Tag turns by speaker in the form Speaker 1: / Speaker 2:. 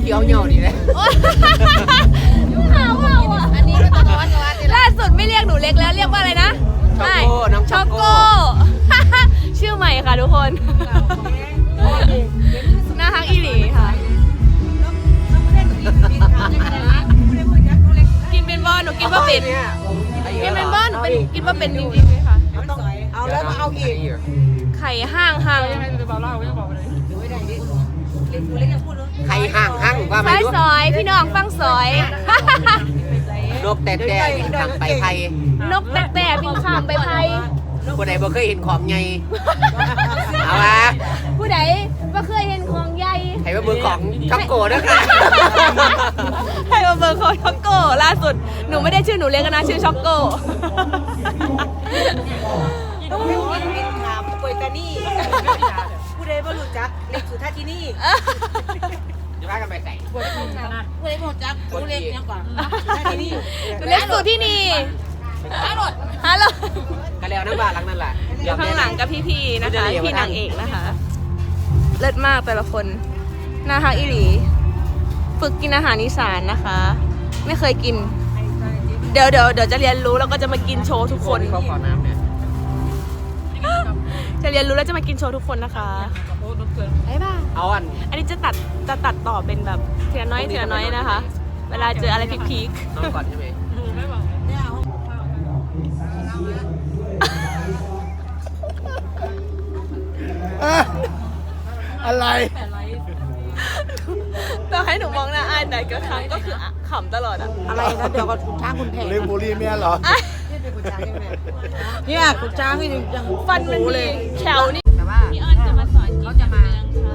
Speaker 1: ขียวเหนียวดีเลย
Speaker 2: อันนี้ก็ตัวร้อนกว่าล่าสุดไม่เรียกหนูเล็กแล้วเรียกว่าอะไรนะ
Speaker 1: ช็อกโก้
Speaker 2: ชื่อใหม่ค่ะทุกคนน่าฮักอีหลีค่ะกินเป็นบอลหนูกินว่าเป็นกินเป็นบอลหนูเป็นกินว่าเป็นจริงๆเลยค่ะ
Speaker 3: เอาแล้วมาเอาอีก
Speaker 2: ไข่ห้าง
Speaker 1: ไข่ห่างว่าไม่รู้
Speaker 2: ซอยพี่น้องฟังซอย
Speaker 1: นกแต่บินข้ามไปไทย
Speaker 2: นกแต่บินข้ามไปไทย
Speaker 1: ผู้ใดบ่เคยเห็นของใหญ่เอาวะ
Speaker 2: ผู้ใดบ่เคยเห็นของใหญ่
Speaker 1: ให้มาเบอร์ของช็อกโก้ด้วยค่ะ
Speaker 2: ให้มาเบอร์ของช็อกโก้ล่าสุดหนูไม่ได้ชื่อหนูเล็กนะชื่อช็อกโก้
Speaker 3: บินถามป่วยตานี่ผู้ใดบ่รู้จักเล็กสุดท่าที่นี่
Speaker 1: จะพากันไปใส่
Speaker 3: ผู้ใดบ่รู้จักผู้เล็กเนี่ยกว่าท่าที่นี่
Speaker 2: เล็กสุดที่นี่ฮัลโหล
Speaker 1: กันแล้วน้ำบาหลังนั่นแหละ
Speaker 2: อยู่ข้างหลังกับพี่ๆนะคะพี่นางเอกนะคะเลิศมากแต่ละคนน่าฮักอีหลีฝึกกินอาหารอีสานนะคะไม่เคยกินเดี๋ยวจะเรียนรู้แล้วก็จะมากินโชว์ทุกคน
Speaker 1: เขาขอน้ำเนี่ย
Speaker 2: จะเรียนรู้แล้วจะมากินโชว์ทุกคนนะคะบ๊ายบายอันนี้จะตัดต่อเป็นแบบทีละน้อยนะคะเวลาเจออะไรพีค
Speaker 1: น้องก่อนใช่ไหม
Speaker 4: อะไร
Speaker 2: ต่อให้หนูมองหน้าอายแต่ก็ครั้งก็คือขำตลอดอะ
Speaker 3: อะไรนะเดี๋ยวก็คุณช้างคุณแผง
Speaker 4: เลี้ยงบุรีเมียเหรอ
Speaker 3: เนี่ยคุณช้างนี่ยัง
Speaker 2: ฟันมันมีแขวนี่
Speaker 3: แต่ว่า
Speaker 2: พี่อ้อนจะมาสอนเขาจะมา